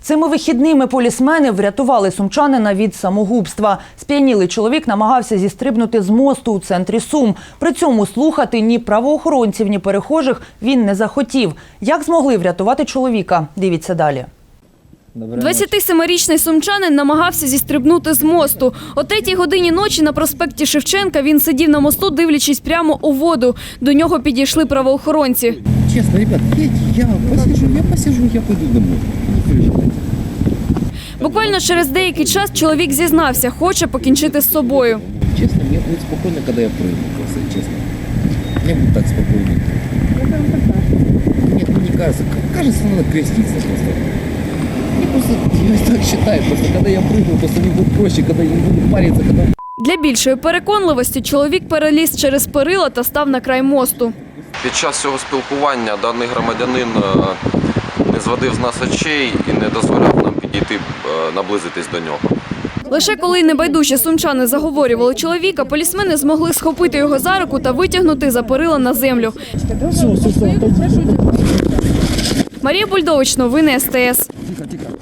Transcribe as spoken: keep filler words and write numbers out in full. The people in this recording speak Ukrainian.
Цими вихідними полісмени врятували сумчанина від самогубства. Сп'янілий чоловік намагався зістрибнути з мосту у центрі Сум. При цьому слухати ні правоохоронців, ні перехожих він не захотів. Як змогли врятувати чоловіка? Дивіться далі. двадцятисемирічний сумчанин намагався зістрибнути з мосту. О третій годині ночі на проспекті Шевченка він сидів на мосту, дивлячись прямо у воду. До нього підійшли правоохоронці. Честно, ребят, я посижу, я посижу, я пойду домой. Буквально через деякий час чоловік зізнався, хоче покінчити з собою. Честно, мне будет спокойно, когда я прыгну, просто честно. Мне будет так спокойно. Нет, мне не кажется. Кажется, надо креститься просто. Я просто, я так считаю, просто когда я прыгну, просто мне будет проще, когда я не буду париться, когда... Для більшої переконливості чоловік переліз через перила та став на край мосту. Під час цього спілкування даний громадянин не зводив з нас очей і не дозволяв нам підійти, наблизитись до нього. Лише коли небайдужі сумчани заговорювали чоловіка, полісмени змогли схопити його за руку та витягнути за перила на землю. Марія Бульдович, новини ес те ес.